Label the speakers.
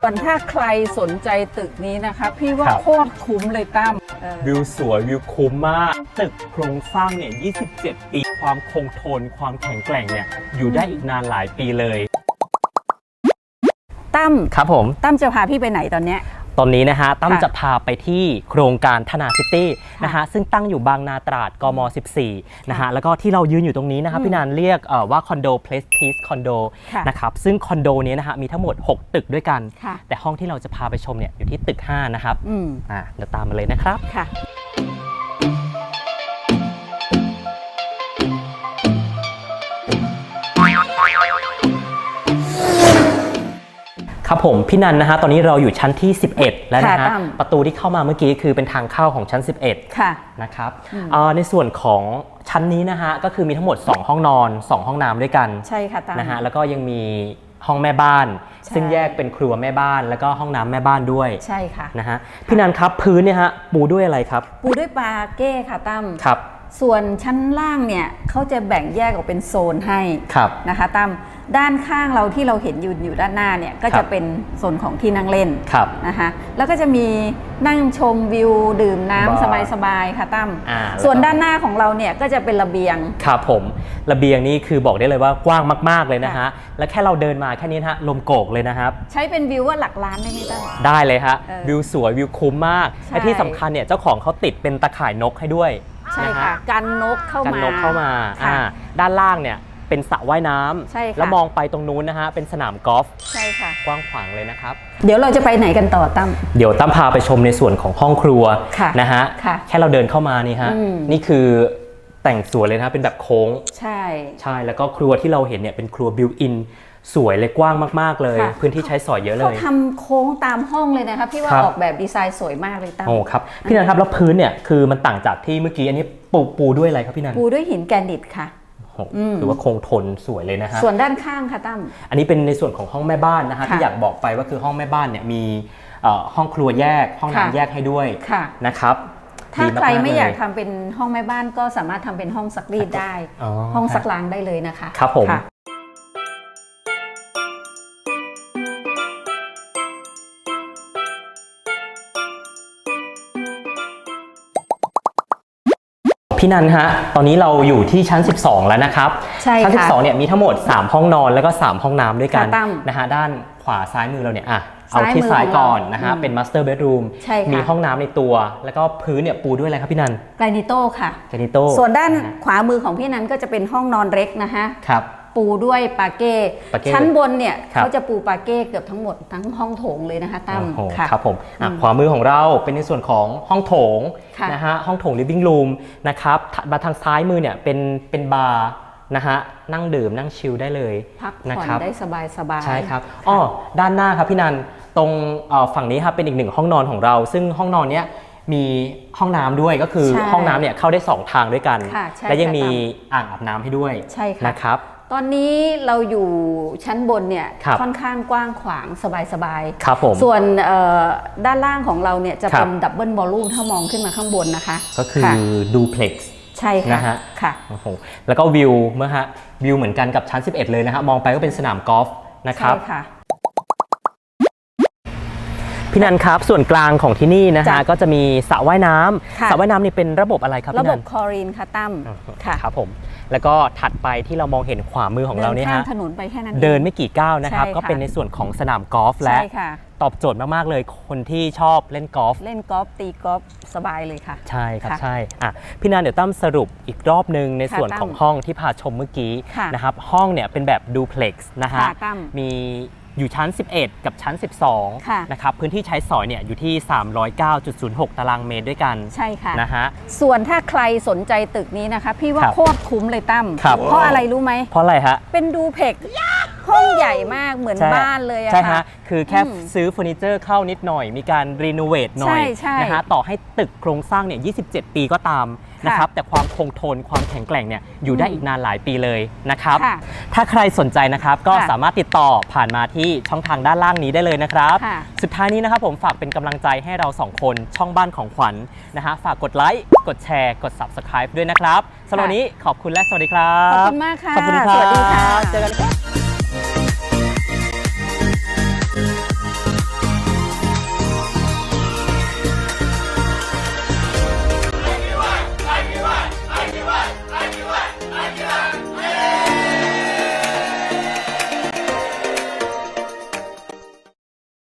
Speaker 1: ส่วนถ้าใครสนใจตึกนี้นะคะพี่ว่าโคตรคุ้มเลยตั้ม
Speaker 2: วิวสวยวิวคุ้มมากตึกโครงสร้างเนี่ย27 ปีความคงทนความแข็งแกร่งเนี่ยอยู่ได้อีกนานหลายปีเลย
Speaker 1: ตั้ม
Speaker 2: ครับผม
Speaker 1: ตั้มจะพาพี่ไปไหนตอนเนี้ย
Speaker 2: ตอนนี้นะฮะตั้มจะพาไปที่โครงการธนาซิตี้นะฮะซึ่งตั้งอยู่บางนาตราดกม14นะฮะแล้วก็ที่เรายืนอยู่ตรงนี้นะครับพี่นันเรียกว่าคอนโดเพลสพีซคอนโดนะครับซึ่งคอนโดนี้นะฮะมีทั้งหมด6ตึกด้วยกันแต่ห้องที่เราจะพาไปชมเนี่ยอยู่ที่ตึก5นะครับเดี๋ยวตามมาเลยนะครับค่ะครับผมพี่นันนะฮะตอนนี้เราอยู่ชั้นที่11แล้วนะฮะประตูที่เข้ามาเมื่อกี้คือเป็นทางเข้าของชั้น11ค่ะนะครับในส่วนของชั้นนี้นะฮะก็คือมีทั้งหมด2ห้องนอน2ห้องน้ำด้วยกัน
Speaker 1: ใช่ค่ะ
Speaker 2: นะฮะแล้วก็ยังมีห้องแม่บ้านซึ่งแยกเป็นครัวแม่บ้านแล้วก็ห้องน้ำแม่บ้านด้วย
Speaker 1: ใช่ค่ะ
Speaker 2: นะฮะพี่นันครับพื้นเนี่ยฮะปูด้วยอะไรครับ
Speaker 1: ปูด้วยปาเก้ค่ะตั้ม
Speaker 2: ครับ
Speaker 1: ส่วนชั้นล่างเนี่ยเขาจะแบ่งแยกออกเป็นโซนให้นะคะตั้มด้านข้างเราที่เราเห็นอยู่ด้านหน้าเนี่ยก็จะเป็นโซนของที่นั่งเล่นนะคะแล้วก็จะมีนั่งชมวิวดื่มน้ำสบายๆค่ะตั้มส่วนด้านหน้าของเราเนี่ยก็จะเป็นระเบียง
Speaker 2: ครับผมระเบียงนี่คือบอกได้เลยว่ากว้างมากๆเลยนะฮะและแค่เราเดินมาแค่นี้ฮะลมโกกเลยนะครับ
Speaker 1: ใช้เป็นวิวว่าหลักล้านได้ไหมตั้ม
Speaker 2: ได้เลยฮะวิวสวยวิวคุ้มมากและที่สำคัญเนี่ยเจ้าของเขาติดเป็นตะข่ายนกให้ด้วย
Speaker 1: ใช่ค่ะกันนกเข้ามา
Speaker 2: ด้านล่างเนี่ยเป็นสระว่ายน้ำแล้วมองไปตรงนู้นนะฮะเป็นสนามกอล์ฟ
Speaker 1: ใช่ค่ะ
Speaker 2: กว้างขวางเลยนะครับ
Speaker 1: เดี๋ยวเราจะไปไหนกันต่อตั้ม
Speaker 2: เดี๋ยวตั้มพาไปชมในส่วนของห้องครัวนะฮะแค่เราเดินเข้ามานี่ฮะนี่คือแต่งสวยเลยนะเป็นแบบโค้งใช่แล้วก็ครัวที่เราเห็นเนี่ยเป็นครัวบิวอินสวยเลยกว้างมากๆเลยพื้นที่ใช้สอยเยอะเลย
Speaker 1: เขาทำโค้งตามห้องเลยนะคะพี่ว่าออกแบบดีไซน์สวยมากเลยตั้ม
Speaker 2: โอ้ครับพี่นันครับแล้วพื้นเนี่ยคือมันต่างจากที่เมื่อกี้อันนี้ปูด้วยอะไรครับพี่นัน
Speaker 1: ปูด้วยหินแกรนิตค่ะ
Speaker 2: ถือว่าคงทนสวยเลยนะฮะ
Speaker 1: ส่วนด้านข้างค่ะตั้ม
Speaker 2: อันนี้เป็นในส่วนของห้องแม่บ้านนะฮะที่อยากบอกไปว่าคือห้องแม่บ้านเนี่ยมีห้องครัวแยกห้องน้ำแยกให้ด้วยนะครับ
Speaker 1: ถ้าใครไม่อยากทำเป็นห้องแม่บ้านก็สามารถทำเป็นห้องซักรีดได้ห้องซักล้างได้เลยนะคะ
Speaker 2: ครับผมพี่นันฮะตอนนี้เราอยู่ที่ชั้น12แล้วนะครับชั้น12เนี่ยมีทั้งหมด3ห้องนอนแล้วก็3ห้องน้ำด้วยกันนะฮะด้านขวาซ้ายมือเราเนี่ยเอาที่ซ้ายก่อนนะฮะเป็น master bedroom มีห้องน้ำในตัวแล้วก็พื้นเนี่ยปูด้วยอะไรครับพี่นัน
Speaker 1: แกรนิโต้ค่ะ
Speaker 2: แกรนิโต้
Speaker 1: ส่วนด้านขวามือของพี่นันก็จะเป็นห้องนอนเล็กนะฮะ
Speaker 2: ครับ
Speaker 1: ปูด้วยปาเก้ชั้นบนเนี่ยเขาจะปูปาเก้เกือบทั้งหมดทั้งห้องโถงเลยนะคะตั้ม
Speaker 2: ครับผมขวามือของเราเป็นในส่วนของห้องโถงนะฮะห้องโถง living room นะครับมาทางซ้ายมือเนี่ยเป็นบาร์นะฮะนั่งดื่มนั่งชิลได้เลย
Speaker 1: พักผ่อนได้สบาย
Speaker 2: ใช่ครับด้านหน้าครับพี่นันตรงฝั่งนี้ครับเป็นอีก1ห้องนอนของเราซึ่งห้องนอนเนี้ยมีห้องน้ำด้วยก็คือห้องน้ำเนี่ยเข้าได้2ทางด้วยกันและยังมีอ่างอาบน้ำให้ด้วยนะครับ
Speaker 1: ตอนนี้เราอยู่ชั้นบนเนี่ยค่อนข้างกว้างขวางสบาย
Speaker 2: ๆครับผม
Speaker 1: ส่วนด้านล่างของเราเนี่ยจะเป็นดับเบิลวอลลุ่มถ้ามองขึ้นมาข้างบนนะคะ
Speaker 2: ก็คือดูเพล็กซ์
Speaker 1: ใช่ค่ะค่ะ
Speaker 2: แล้วก็วิวเมื่อฮะวิวเหมือนกันกับชั้น11เลยนะฮะมองไปก็เป็นสนามกอล์ฟนะครับพี่นันครับส่วนกลางของที่นี่นะฮะก็จะมีสระว่ายน้ำสระว่ายน้ำนี่เป็นระบบอะไรครับพี่นัน
Speaker 1: ระบบคลอรีนค่ะตั้ม
Speaker 2: ครับผมแล้วก็ถัดไปที่เรามองเห็นขวามือของเราเนี่ยฮะ
Speaker 1: ถนนไปแค่นั้น
Speaker 2: เดินไม่กี่ก้าวนะครับก็เป็นในส่วนของสนามกอล์ฟและตอบโจทย์มากๆเลยคนที่ชอบเล่นกอล์ฟ
Speaker 1: ตีกอล์ฟสบายเลยค่ะ
Speaker 2: ใช่ครับใช่พี่นันเดี๋ยวตั้มสรุปอีกรอบนึงในส่วนของห้องที่พาชมเมื่อกี้นะครับห้องเนี่ยเป็นแบบดูเพล็กซ์นะฮะมีอยู่ชั้น11กับชั้น12นะครับพื้นที่ใช้สอยเนี่ยอยู่ที่ 309.06 ตารางเมตรด้วยกัน
Speaker 1: ใช่ค่ะ
Speaker 2: นะฮะ
Speaker 1: ส่วนถ้าใครสนใจตึกนี้นะคะพี่ว่าโคตรคุ้มเลยตั้มเพราะอะไรรู้ไหม
Speaker 2: เพราะอะไรฮะ
Speaker 1: เป็นดูเพล็กซ์ห้องใหญ่มากเหมือนบ้านเลยอะ
Speaker 2: ใช่ฮะคือแค่ซื้อเฟอร์นิเจอร์เข้านิดหน่อยมีการรีโนเวทหน่อยนะฮะต่อให้ตึกโครงสร้างเนี่ย27 ปีก็ตามนะครับแต่ความคงทนความแข็งแกร่งเนี่ยอยู่ได้อีกนานหลายปีเลยนะครับถ้าใครสนใจนะครับก็สามารถติดต่อผ่านมาที่ช่องทางด้านล่างนี้ได้เลยนะครับสุดท้ายนี้นะครับผมฝากเป็นกำลังใจให้เรา2คนช่องบ้านของขวัญนะฮะฝากกดไลค์กดแชร์กด Subscribe ด้วยนะครับสำหรับวันนี้ขอบคุณและสวัสดีครับ
Speaker 1: ขอบคุณมากค่ะ
Speaker 2: ขอบคุณครับสวัสดีค่ะเจอกันครับ